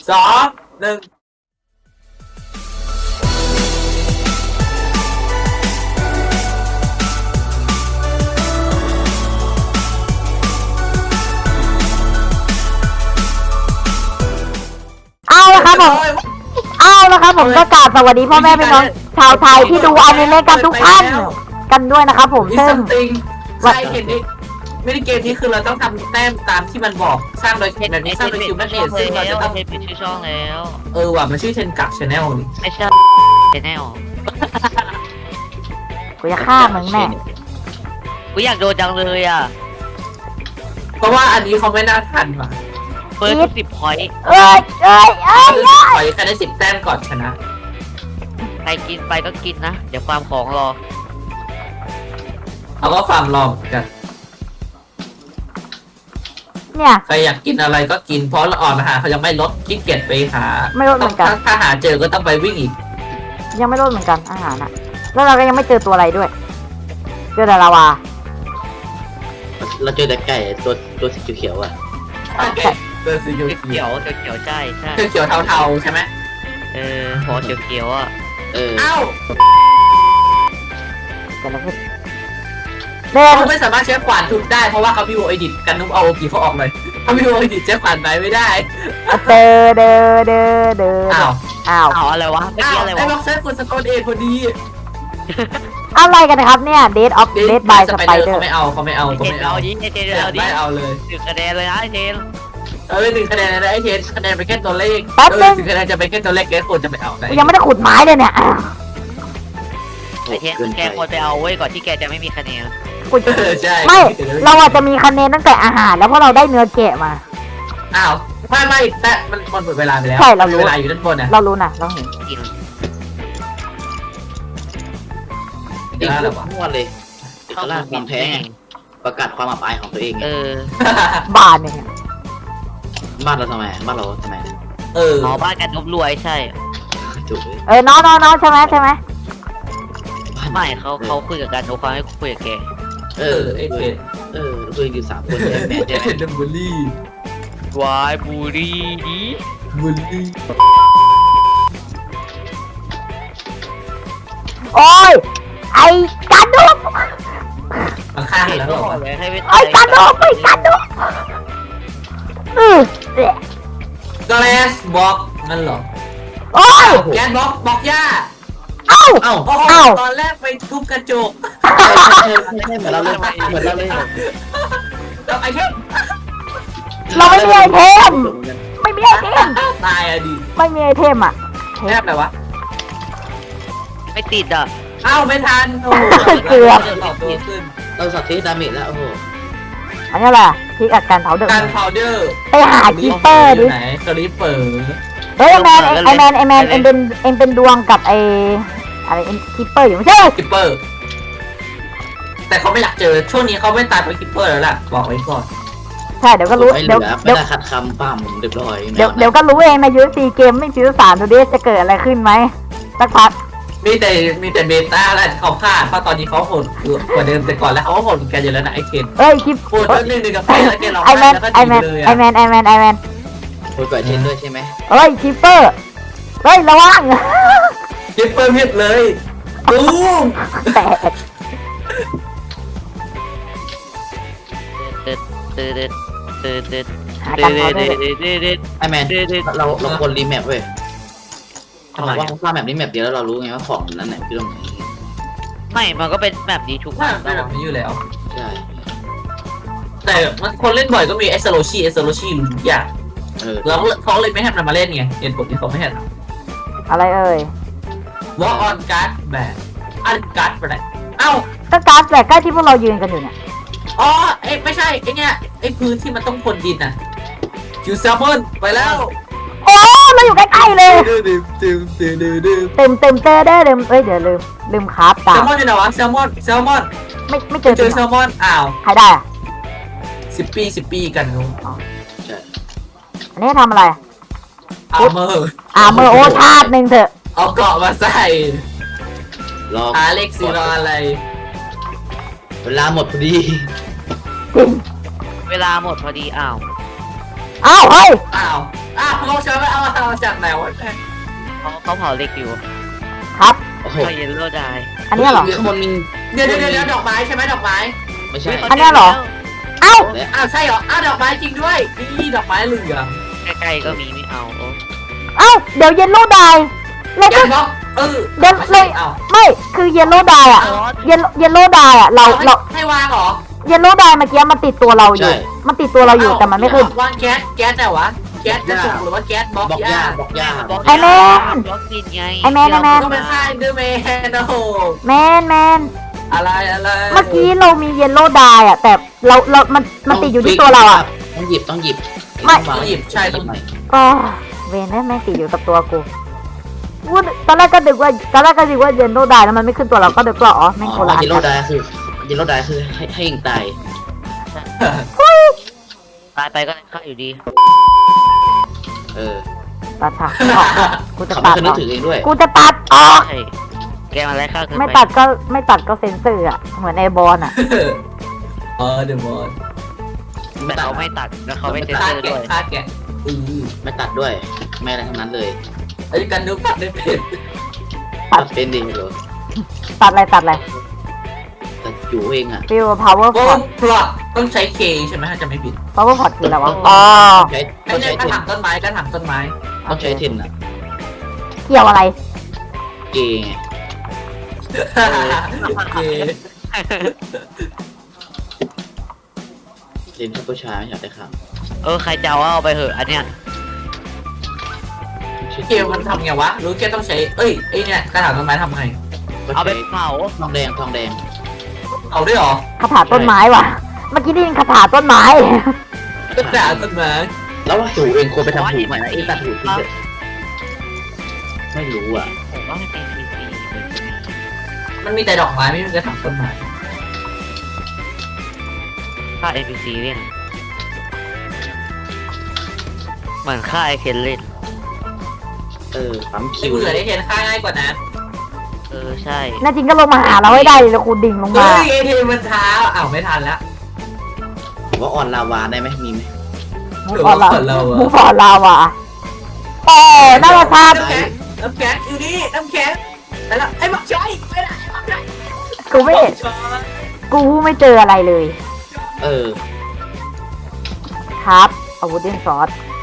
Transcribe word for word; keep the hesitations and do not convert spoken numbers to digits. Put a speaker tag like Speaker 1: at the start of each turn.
Speaker 1: สองหนึ่ง
Speaker 2: เอาละครับผมเอาละครับผมก็กราบสวัสดีพ่อแม่พี่น้องชาวไทยที่ดูอนิเมะกันทุกท่านกันด้วยนะครับผม
Speaker 1: มี
Speaker 2: ซึ่
Speaker 1: ซั
Speaker 2: ง
Speaker 1: มติงใช่เห็นดิไม่ได้เกมนี้คือเราต้องทำแต้มตามที่มันบอกสร้างโดยแบบนี้สร้างโดยคิวแมทเนสซึ่งเราจะต้อง
Speaker 3: เทปปิดชื่อช่องแล้ว
Speaker 1: เออว่ะมันชื่อเทนกักชาแนลนี่
Speaker 3: ไม่ใช่แนล
Speaker 2: กูจะฆ่ามึงแน่
Speaker 3: กูอยากโดนจังเลยอ่ะ
Speaker 1: เพราะว่าอันนี้เขาไม่น่าทันว่ะ
Speaker 3: เฟิร์สสิบพอยต์
Speaker 2: เอ้ยเอ้ยเอ้ย
Speaker 1: คือปล่อยแค่ได้สิบแต้มก่อนชนะ
Speaker 3: ใครกินไปก็กินนะ เดี๋ยวความของรอ
Speaker 1: เขาก็ฟาร์มรอเหมือนกัน
Speaker 2: เนี่ย
Speaker 1: ใครอยากกินอะไรก็กินเพราะละอ่อนอาหารเขายังไม่ลดขี้เกียจไปหา
Speaker 2: ไม่ลดเหมือนกัน
Speaker 1: ถ้าถ้าหาเจอก็ต้องไปวิ่งอีก
Speaker 2: ยังไม่ลดเหมือนกันอาหารอะแล้วเราก็ยังไม่เจอตัวอะไรด้วยเจอแต่ลาวา
Speaker 4: เราเจอแต่ไก่ตัวตัวสีเขียวๆอ่ะ
Speaker 1: เจอสีเขียว
Speaker 3: เขียวเขียวเขียวใช่ใช่
Speaker 1: เขียวเทาๆใช่ไหม
Speaker 3: เออพอเขียวเขียวอ่ะ
Speaker 4: เออ
Speaker 1: เอ้า
Speaker 2: เกิดอะไรขึ้นเด่น
Speaker 1: เขาไม่สามารถใช้ขวานทุบได้เพราะว่าเขามีโอเอดิตกันนุ๊กเอาโอกีเขาออกเลยเขามีโอเอดิตใช้ขวานไปไม่ได้
Speaker 2: เดอเดอเดอเดอ
Speaker 1: อ้าว
Speaker 2: อ้าว
Speaker 3: เอาอะไรวะเมื่อ
Speaker 1: อ้า
Speaker 3: กี้
Speaker 1: ว
Speaker 3: อะไร
Speaker 1: ไอ้
Speaker 3: วะ
Speaker 1: บ็อกเซอร์คนสโตนเอทพอดี
Speaker 2: อะไรกันนะครับเนี่ย Dead of Dead by
Speaker 1: สไปเดอร์
Speaker 2: Spider
Speaker 1: เขาไม่เอาเขาไม่เอา
Speaker 3: ไอ
Speaker 1: เขา
Speaker 3: เทน
Speaker 1: ไม่
Speaker 3: เอา
Speaker 1: เอา
Speaker 3: ดิไอเทน
Speaker 1: อยา
Speaker 3: เอา
Speaker 1: ก
Speaker 3: ดิ
Speaker 1: ได้เอาเลย
Speaker 3: ถึงคะแนนเลยนะไอเทน
Speaker 1: เออหนึ่งคะแนนนะไอ้เทนคะแนนเป็นแค่ตัวเลข
Speaker 2: แป๊บ
Speaker 1: เอ
Speaker 2: นึ
Speaker 1: อง ถึงคะแนนจะเป็นแค่ตัวเลขแกควรจะไปเอาไหน
Speaker 2: ยังไม่ได้ขุดไม้เลยเนี่ย
Speaker 3: ไอเทนแกควรไปเอาเว้ยก่อนที่แกจะไม่มีคะแนน
Speaker 2: ขุด
Speaker 1: เออใช่
Speaker 2: ไม่ เราอาจจะมีคะแนนตั้งแต่อาหารแล้วเพราะเราได้เนื้อแกะมา
Speaker 1: อ้าวไม่ไม่แต่มันมันหมดเวลาไปแล้ว
Speaker 2: ใช่เรารู้
Speaker 1: เวลาอยู่ด้านบนนะ
Speaker 2: เรารู้นะเราเห็น
Speaker 3: กิน
Speaker 4: จริง
Speaker 1: ได้
Speaker 4: ๆ
Speaker 1: แล้ววะ
Speaker 4: มั่วเลยเอกลักษณ์ความแท้ไงประกาศความอับอายของตัวเองไง
Speaker 3: เออ
Speaker 2: บ้านเนี่ย
Speaker 4: บ้านเราทำไมบ้านเราทำไม
Speaker 1: เออ
Speaker 3: หมอบ้านกันนบรวยใช่
Speaker 4: จุกเลย
Speaker 2: เออน้องน้องน้องใช่ไหมใช่ไหม
Speaker 4: บ้าน
Speaker 3: ไม่เขาเขาคุยกับกันนบเขาให้คุยกับแก
Speaker 4: เอ
Speaker 1: เอ
Speaker 4: อ
Speaker 1: อไอ้เทน
Speaker 4: เออคุยกันอยู่สามคนแม่แม่
Speaker 1: ไอ้
Speaker 4: ใช่ไห
Speaker 1: เท
Speaker 4: ม
Speaker 1: นดัมบูลลี่
Speaker 3: วายบุรีดี
Speaker 1: บูลลี่
Speaker 2: โอ้ยไอ้กันดุก
Speaker 1: มาฆ่ากันแล้วเหรอวะ
Speaker 3: ให้ไป
Speaker 2: ไอ้กันดุกไอ้กันดุกเออเอ๊ะ
Speaker 1: กแลสบล็อกนั่นเหรอ
Speaker 2: โอ้ย
Speaker 1: แกนบล็อกบล็อกหญ้า
Speaker 2: เอ้า
Speaker 4: เอ้า
Speaker 1: โอ้โห
Speaker 2: เอ้า
Speaker 1: ตอนแรกไปทุบกระจก
Speaker 4: ใช่ใช่เหมือนเราเลยเหมือนเราเลย
Speaker 1: แล้วไอ้เทน
Speaker 2: เราไม่มีไอเทมไม่มีไอเทม
Speaker 1: ตายอะดิ
Speaker 2: ไม่มีไอเทมอ่ะ
Speaker 1: แทบเลยวะ
Speaker 3: ไม่ติดอ่ะ
Speaker 1: เอ้าไม่ทันโอ้โห
Speaker 2: เกือบ
Speaker 1: ต่อตัวขึ้น
Speaker 4: เราสัตว์เทสดาเมจแล้วโอ้โห
Speaker 2: อันนี้แหละพิกอัดการเผาเดือด
Speaker 1: การพาวเดอร์
Speaker 2: ไปหาคีเปอร์ดิ
Speaker 1: ไหนคลิปเปอร์
Speaker 2: เฮ้ยไอแมนไอแมนไอแมนเอ็งเป็นเอ็งเป็นดวงกับไออะไรเอ็งคีเปอร์อยู่ไม่ใช่
Speaker 1: คลิปเปอร์ แต่เขาไม่อยากเจอช่วงนี้เขาไม่ตายไปคลิปเปอร์แล้วล่ะบอกไว้ก่อน
Speaker 2: ใช่เดี๋ยวก็รู้
Speaker 4: ไม่เห
Speaker 2: เดี๋
Speaker 4: ลื
Speaker 2: ยว
Speaker 4: อไม่
Speaker 2: เดี๋ยว
Speaker 4: ได้ขัดคำปั้มเรียบร้อย
Speaker 2: เดี๋ยวเดี๋ยวก็รู้เองในยูซีเกมไม่ซีซั่นสามดูดิจะเกิดอะไรขึ้นไหมสักพัก
Speaker 1: มีแต่มีแต่เบต้าแล้วเขาพลาดเพราะตอนนี้เขาโหดกว่าเดิมแต่ก่อนแล้วเขาก็โหดเหมือนกันอยู่แล้วนะไอเคน
Speaker 2: เอ้ยคลิป
Speaker 1: โหดเรื่องหนึ่งกับไปแล้วแกเรา
Speaker 2: ไอ
Speaker 1: ไป
Speaker 2: แมน
Speaker 1: แล้วก็
Speaker 2: ไอ
Speaker 1: ดี
Speaker 2: แมน
Speaker 1: เลย
Speaker 2: ไอ
Speaker 1: อะ
Speaker 2: แมนไอแมนไอแมน
Speaker 4: คุยกับเชนด้วยใช่ไหม
Speaker 2: เฮ้ยคีเปอร์เฮ้ยระวัง
Speaker 1: คลิปเปอร์มิดเลยตูม
Speaker 2: แตก
Speaker 3: เด็ดเด็ดเด็ดเด็ดเด็ด
Speaker 2: หา
Speaker 3: เด็
Speaker 2: การ
Speaker 3: ด
Speaker 2: เผา
Speaker 3: เด็
Speaker 2: เดือ
Speaker 3: ด
Speaker 2: ด
Speaker 3: เด็ดเด็ด
Speaker 4: ไอแมน
Speaker 3: เด็ดเด็ด
Speaker 4: เราเราควรรีแมปเว้ย
Speaker 3: ทำไม
Speaker 4: ว่าถ้าแมปนี้แมปเดียวแล้วเรารู้ไงว่าของนั้นไหนคือตรงไหน
Speaker 3: ไม่ มันก็เป็นแบบนี้ทุกวั
Speaker 1: ว่าน เป็นแบบนี้อยู่แล้ว
Speaker 4: ใช่
Speaker 1: แต่มันคนเล่นบ่อยก็มีเอสโลชีเอสโลชีรู้ทุกอย่าง
Speaker 4: เออ
Speaker 1: แล้วเขาเลยไม่ให้มันมาเล่นไงเหตุผลที่เขาไม่ให้
Speaker 2: อะไรเอ่ยว
Speaker 1: อลออนการ์ดแบบอันการ์ดอะไรเอ้า
Speaker 2: ก็การ์ดแหละใกล้ที่พวกเรายืนกันอยู่เนี่ย
Speaker 1: อ๋อเอ้ไม่ใช่ไอเนี้ยไอพื้นที่มันต้องพรวนดินน่ะคิวแซลมอนไปแล้ว
Speaker 2: โอ้เราอยู่ใกล้ๆเลย
Speaker 1: ดื้อดื้อดื้อดื้อดื้อดื้อ
Speaker 2: เต็มเต็มเต้ได้เต็มเอ้ยเดี๋ยวลืมลืมคราฟ
Speaker 1: แซ
Speaker 2: ดา
Speaker 1: ล
Speaker 2: บ
Speaker 1: มอนอยู่ไหนวะแซลมอนแซลมอน
Speaker 2: ไม่ไม่เจ
Speaker 1: ไป
Speaker 2: อ
Speaker 1: เจอแซลมอนอ้าว
Speaker 2: ใครได้อะ
Speaker 1: สิบปีสิบปีกันนู้น
Speaker 4: ใช่
Speaker 2: อันนี้ทำอะไร
Speaker 1: อาร์เมอร์
Speaker 2: อ่าเมื่อโอชาติหนึ่งเถอะ
Speaker 1: เอาเกาะมาใส่
Speaker 4: รอ
Speaker 1: หาเล็กซีรออะไร
Speaker 4: เวลาหมดพอดี
Speaker 2: จริง
Speaker 3: เวลาหมดพอดีอ้าว
Speaker 2: อ้าวเฮ้ย
Speaker 1: อ้าวอ้าวฉันไม่เอาเอาจากไหนวะ
Speaker 3: เขาเขาเผาเหล็กอยู่
Speaker 2: ครับ
Speaker 4: โอ้โห
Speaker 3: เขาเยลโล่ได้
Speaker 2: อันนี้เหรอ
Speaker 4: มีคนมี
Speaker 1: เดี๋ยวเดี๋ยวเดี๋ยวดอกไม้ใช่ไหมดอกไม้
Speaker 4: ไม่ใช่
Speaker 2: อันเนี้ยเหรอ เอ้า
Speaker 4: และ
Speaker 1: อ้าวใช่เหรออ้าวดอกไม้จริงด้วยนี่ดอกไม้เหลือง
Speaker 3: ใกล้ๆก็มีไม่เอาโอ้
Speaker 2: เอ้าเดี๋ยวเยลโล่ไดเรา
Speaker 1: แก
Speaker 2: ก็
Speaker 1: นบอกเออ
Speaker 2: เดี๋ยว
Speaker 1: ไม่
Speaker 2: เล
Speaker 1: ใช่
Speaker 2: ย
Speaker 1: เอา
Speaker 2: ไม่คือเยลโล่ไดอะเยลเยลโล่ไดอะเราเรา
Speaker 1: ให้วางเหรอ
Speaker 2: เยลโล่ไดเมื่อกี้มันติดตัวเราอยู่ มันติดตัวเราอยู่แต่มันไม่ขึ้น
Speaker 1: วางแก๊สแก๊สแต่วะแก๊สจะสุกหรือว่าแก๊สบล็อก
Speaker 4: บอก
Speaker 1: ยาย
Speaker 4: าบอกยา
Speaker 2: ไอ้แม่น
Speaker 3: บล็อกดินไง
Speaker 2: ไอ้แม่นไอ้แม่น
Speaker 1: ต้องไปฆ่าเดอร์แมนโอ้โห
Speaker 2: แมนแมน
Speaker 1: อะไรอะไร
Speaker 2: เมื่อกี้เรามีเยลโล่ไดอะแต่เราเรา มันมันติดอยู่ที่ตัวเราอะ
Speaker 4: ต้องหยิบต้องหยิบ
Speaker 2: ไม่
Speaker 1: ต้องหยิบใช่ต้อง
Speaker 4: หยิบ
Speaker 2: อ๋อเวนได้แม่งติดอยู่กับตัวกูพูดตอนแรกก็ดึกว่าตอนแรกก็ดึกว่าเยลโล่ไดแล้วมันไม่ขึ้นตัวเราก็ดึกว่าอ๋อแม่ง
Speaker 4: อ๋
Speaker 2: โครา
Speaker 4: อ
Speaker 2: ช
Speaker 4: เยลโลไดคือเยลโลไดคือให้ให้ยิงตาย
Speaker 3: ตายไปก็ฆ่าอยู่ดี
Speaker 4: เออ
Speaker 2: ตัดฉากออกด้วยกูจะ
Speaker 4: เขา
Speaker 2: ตั
Speaker 4: ไม่
Speaker 2: ด
Speaker 4: เคยนึ
Speaker 2: อก อก
Speaker 4: ถึงเองด้วย
Speaker 2: กูจะตัดออก
Speaker 3: ใช่แกมาไล่ฆ่าเกิน
Speaker 2: ไม่
Speaker 3: ไป
Speaker 2: ตัดก็ไม่ตัดก็เซ็นเซอร์อะเหมือนไอบอลอะ
Speaker 1: เออเดอะมอน
Speaker 3: แต่เขาไม่ตัดแล้วเขาไม่เซ็น
Speaker 1: ฆ่า
Speaker 3: เซอร์
Speaker 1: แกะ
Speaker 3: ด้วย
Speaker 1: ฆ่าแกะอือ
Speaker 4: ไม่ตัดด้วย ไม่อะไรทั้งนั้นเลย
Speaker 1: ไอ้กันนึกตัดได้เป็น
Speaker 4: ตัดเป็นดีเหรอ
Speaker 2: ตัดอะไรตัดอะไร
Speaker 4: แต่อยู่เองอ่ะ
Speaker 2: ฟิว power
Speaker 1: โอ้
Speaker 2: pot
Speaker 1: พลอตต้องใช้เคใช่ไหมถ้าจะไม่ผิด
Speaker 2: power pot คืออะไรวะอ๋อ
Speaker 4: ใช้
Speaker 1: ไอ้
Speaker 4: ต้อง
Speaker 1: เนี่
Speaker 4: ใช้
Speaker 1: ยกระ
Speaker 4: เทน
Speaker 1: ถางต้นไม้กระถางต้นไม้
Speaker 4: ต้องใช้เทนอ่ะ
Speaker 2: เกี่ยวอะไร
Speaker 4: เกย์ไง
Speaker 1: เค
Speaker 4: เทนผู้ชายไม่อยากได้ข่าว
Speaker 3: เออใครจะเอาเอาไปเหอะอันเนี้ย
Speaker 1: เคมันทำไงวะรู้แค่ต้องใช้เอ้ยไอ้เนี่ยกระถางต้นไม้ทำไง
Speaker 3: เอาไป
Speaker 4: ใช้
Speaker 3: เผา
Speaker 4: ทองแดงทองแดง
Speaker 1: เอาด้วยเหรอ
Speaker 2: คาถาต้นไม้ว่ะ เมื่อกี้ได้ยินคาถาต้นไม้
Speaker 1: กระถางต้นไม้
Speaker 4: แล้วว่าถูเองควรไปทำถูใหม่นะไอ้ตัดถูทิ้งเลยไม่รู้อ่ะ
Speaker 3: ผมว่าให้เป็นฟรี
Speaker 1: มันมีแต่ดอกไม้ไม่มีกระถางต้นไม้
Speaker 3: ๆฆ่า เอ็น พี ซี เล่นเหมือนฆ่าไอเคนเล่น
Speaker 4: เออปั๊มคิ
Speaker 1: ไม่
Speaker 4: ว
Speaker 1: เบื่อได้เห็นค่าง่ายกว่านั้น
Speaker 3: เออใช่
Speaker 2: น่าจริงก็ลงมาหาเราให้ได้เลยแล้วกูดิ่งลง
Speaker 1: เฮ้
Speaker 2: มา
Speaker 1: ยเอทีมันช้าอ้าวไม่ทันแล้ว
Speaker 4: ผมว่าออนลาวาได้ไหมมีไหม
Speaker 2: มูฟออนลามูฟออนลาวะโอ้น่าจะทาน
Speaker 1: น้ำแข็งน้ำแข็งอยู่นี่น้ำแข็งแล้วไอ้บักช้อยไม่ได้บักช้อย
Speaker 2: กูไม่เห็นกูไม่เจออะไรเลย
Speaker 4: เออ
Speaker 2: ครับอาวุธเดนซอส